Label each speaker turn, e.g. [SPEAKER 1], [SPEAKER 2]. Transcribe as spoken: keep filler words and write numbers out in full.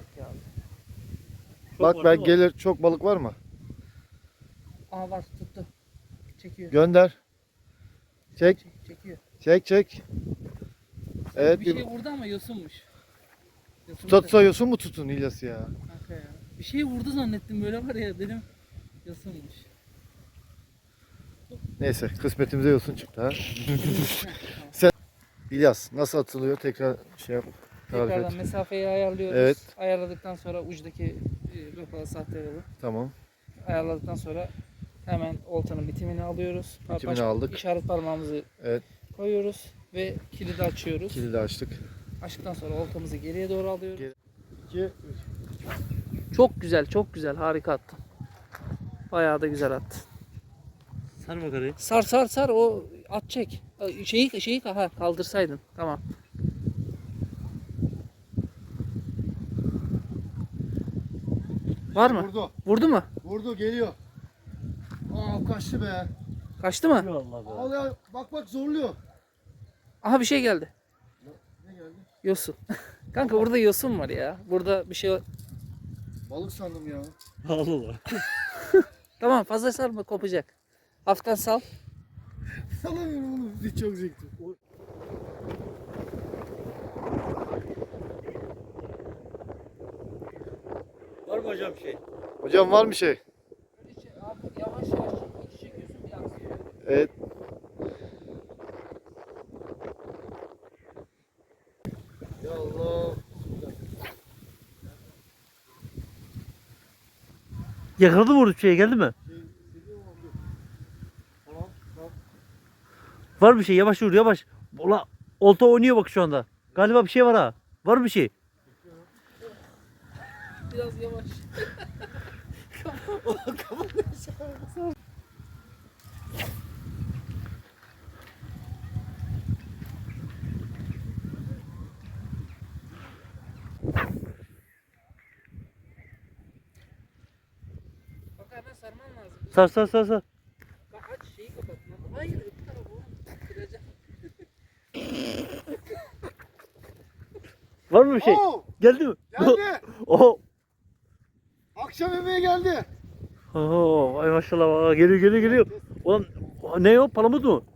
[SPEAKER 1] Yok ya abi.
[SPEAKER 2] Bak
[SPEAKER 3] var
[SPEAKER 2] ben
[SPEAKER 3] değil mi?
[SPEAKER 2] gelir, çok balık var mı?
[SPEAKER 1] Aa var, tuttu. Çekiyor.
[SPEAKER 2] Gönder. Çek,
[SPEAKER 1] Çek, çekiyor.
[SPEAKER 2] çek, çek. Evet,
[SPEAKER 1] bir
[SPEAKER 2] bir
[SPEAKER 1] şey vurdu ama yosunmuş. Yosun
[SPEAKER 2] tutsa yosun mu tutun İlyas ya?
[SPEAKER 1] Kanka ya. Bir şey vurdu zannettim, böyle var ya dedim. Yosunmuş.
[SPEAKER 2] Neyse, kısmetimize yosun çıktı ha. Sen İlyas nasıl atılıyor? Tekrar şey yap. Tarif
[SPEAKER 1] Tekrardan
[SPEAKER 2] et.
[SPEAKER 1] mesafeyi ayarlıyoruz.
[SPEAKER 2] Evet.
[SPEAKER 1] Ayarladıktan sonra ucdaki e, rıhvalı sahte yolu
[SPEAKER 2] Tamam.
[SPEAKER 1] ayarladıktan sonra hemen oltanın bitimini alıyoruz.
[SPEAKER 2] Bitimini
[SPEAKER 1] Baş-
[SPEAKER 2] aldık.
[SPEAKER 1] İşaret parmağımızı
[SPEAKER 2] Evet.
[SPEAKER 1] koyuyoruz ve kilidi açıyoruz.
[SPEAKER 2] Kilidi açtık.
[SPEAKER 1] Açtıktan sonra oltamızı geriye doğru alıyoruz.
[SPEAKER 2] Geri- İki, üç.
[SPEAKER 1] Çok güzel, çok güzel. Harika attın. Bayağı da güzel attın.
[SPEAKER 3] Sar makarayı.
[SPEAKER 1] Sar sar sar, o at çek. Şeyi şeyi ha kaldırsaydın. Tamam. Var mı?
[SPEAKER 2] Vurdu.
[SPEAKER 1] Vurdu mu?
[SPEAKER 2] Vurdu, geliyor. Aa, kaçtı be.
[SPEAKER 1] Kaçtı mı?
[SPEAKER 3] Allah be.
[SPEAKER 2] Al ya, bak bak zorluyor.
[SPEAKER 1] Aha, bir şey geldi.
[SPEAKER 2] Ne geldi?
[SPEAKER 1] Yosun. Kanka burada yosun var ya. Burada bir şey var.
[SPEAKER 2] Balık sandım ya.
[SPEAKER 3] Allah Allah.
[SPEAKER 1] Tamam, fazla sarma, kopacak. Hafiften sal.
[SPEAKER 2] Salamıyorum oğlum. Hiç çok zevkli.
[SPEAKER 3] Var mı hocam şey?
[SPEAKER 2] Hocam var mı şey?
[SPEAKER 1] Abi yavaş yavaş çekiyorsun, bir aksıyor.
[SPEAKER 2] Evet. Ya Allah.
[SPEAKER 3] Yakaladı mı orada şeye geldi mi?
[SPEAKER 2] Tamam, tamam.
[SPEAKER 3] Var bir şey, yavaş vur yavaş. Ola olta oynuyor bak şu anda. Galiba bir şey var ha. Var mı bir şey?
[SPEAKER 1] Biraz yavaş. Bak hemen sarman lazım.
[SPEAKER 3] Sar sar sar sar.
[SPEAKER 1] Bak aç şeyi kapat. Hayır, öbür tarafı oğlum. Kıracağım.
[SPEAKER 3] Var mı bir şey?
[SPEAKER 2] Oo,
[SPEAKER 3] Geldi mi?
[SPEAKER 2] geldi.
[SPEAKER 3] Oho.
[SPEAKER 2] Akşam yemeğe geldi.
[SPEAKER 3] Oho. Ay maşallah. Aa, geliyor geliyor geliyor. Ulan ne o? Palamut mu?